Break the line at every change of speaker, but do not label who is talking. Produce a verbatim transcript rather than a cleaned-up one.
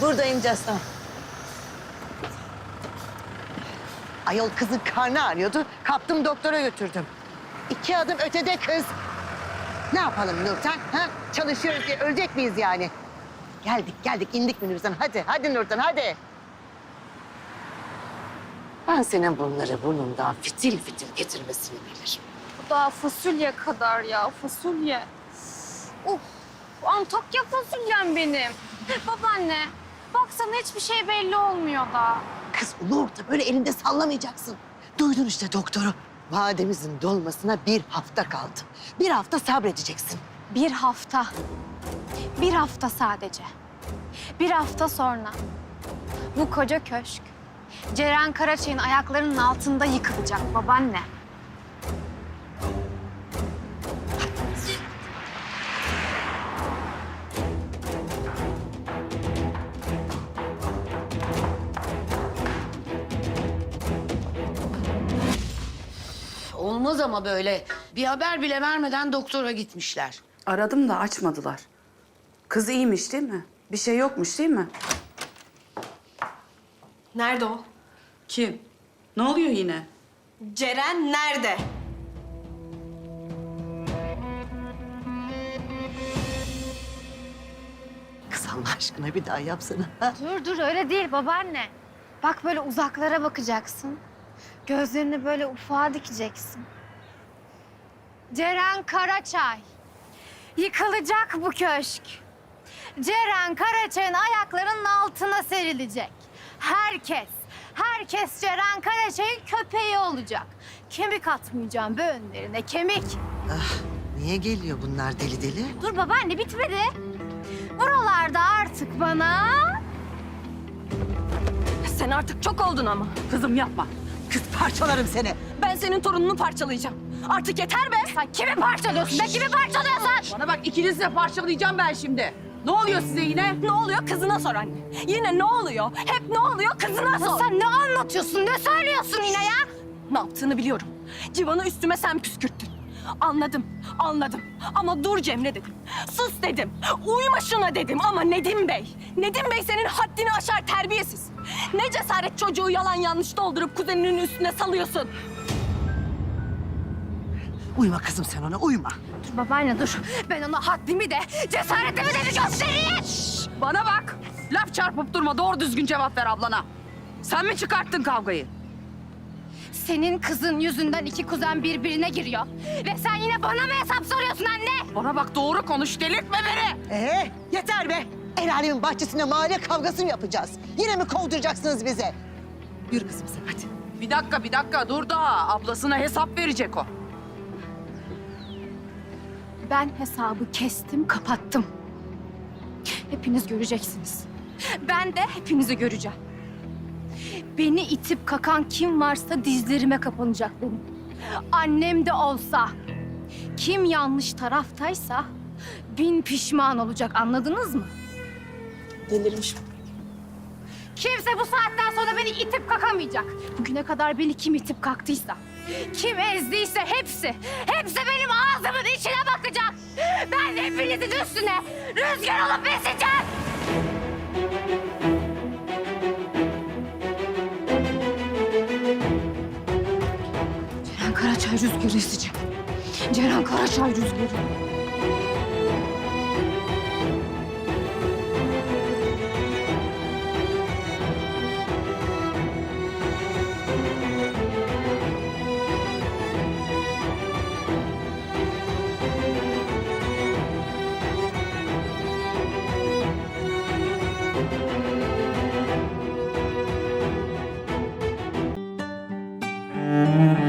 Buradayım Casım. Ayol kızın karnı ağrıyordu. Kaptım doktora götürdüm. İki adım ötede kız. Ne yapalım Nurten? Ha? Çalışıyoruz diye ölecek miyiz yani? Geldik geldik indik minibüsten. Hadi hadi Nurten hadi. Ben senin bunları burnundan fitil fitil getirmesini bilirim.
Bu daha fasulye kadar ya, fasulye. Uf, Antakya fasulyem benim. Babaanne, baksana hiçbir şey belli olmuyor da.
Kız ulu orta böyle elinde sallamayacaksın. Duydun işte doktoru. Vademizin dolmasına bir hafta kaldı. Bir hafta sabredeceksin.
Bir hafta. Bir hafta sadece. Bir hafta sonra bu koca köşk Ceren Karaçay'ın ayaklarının altında yıkılacak babaanne.
Olmaz ama böyle. Bir haber bile vermeden doktora gitmişler.
Aradım da açmadılar. Kız iyiymiş değil mi? Bir şey yokmuş değil mi?
Nerede o?
Kim? Ne oluyor yine?
Ceren nerede?
Kız Allah aşkına bir daha yapsana. Ha?
Dur dur öyle değil babaanne. Bak böyle uzaklara bakacaksın. Gözlerini böyle ufağa dikeceksin. Ceren Karaçay. Yıkılacak bu köşk. Ceren Karaçay'ın ayaklarının altına serilecek. Herkes, herkes Ceren Karaçay'ın köpeği olacak. Kemik atmayacağım be önlerine, kemik.
Ah, niye geliyor bunlar deli deli?
Dur babaanne bitmedi. Buralarda artık bana...
Sen artık çok oldun ama.
Kızım yapma.
Kız parçalarım seni.
Ben senin torununu parçalayacağım. Artık yeter be.
Sen kimi parçalıyorsun be, kimi parçalıyorsun?
Bana bak ikinizi de parçalayacağım ben şimdi. Ne oluyor size yine?
Ne oluyor kızına sor anne. Yine ne oluyor? Hep ne oluyor kızına sor.
Sen ne anlatıyorsun, ne söylüyorsun yine ya?
Ne yaptığını biliyorum. Civan'ı üstüme sen püskürttün. Anladım, anladım. Ama dur Cemre dedim. Sus dedim. Uyma şuna dedim ama Nedim Bey. Nedim Bey senin haddini aşar terbiyesiz. Ne cesaret çocuğu yalan yanlış doldurup kuzeninin üstüne salıyorsun.
Uyma kızım sen ona uyma.
Dur babaanne dur. Ben ona haddimi de, cesaretimi de bir göstereyim.
Bana bak. Laf çarpıp durma. Doğru düzgün cevap ver ablana. Sen mi çıkarttın kavgayı?
Senin kızın yüzünden iki kuzen birbirine giriyor. Ve sen yine bana mı hesap soruyorsun anne?
Bana bak doğru konuş. Delirtme beni.
Ee, yeter be. El alemin bahçesinde mahalle kavgası mı yapacağız? Yine mi kovduracaksınız bize? Yürü kızım sen hadi.
Bir dakika bir dakika dur daha. Ablasına hesap verecek o.
Ben hesabı kestim, kapattım. Hepiniz göreceksiniz. Ben de hepinizi göreceğim. Beni itip kakan kim varsa dizlerime kapanacak benim. Annem de olsa, kim yanlış taraftaysa bin pişman olacak, anladınız mı?
Delirmiş.
Kimse bu saatten sonra beni itip kakamayacak. Bugüne kadar beni kim itip kalktıysa, kim ezdiyse hepsi, hepsi benim ağzımın içine bakacak. Ben de hepinizin üstüne rüzgar olup eseceğim. Ceren Karaçay rüzgarı eseceğim. Ceren Karaçay rüzgarı.
Müzik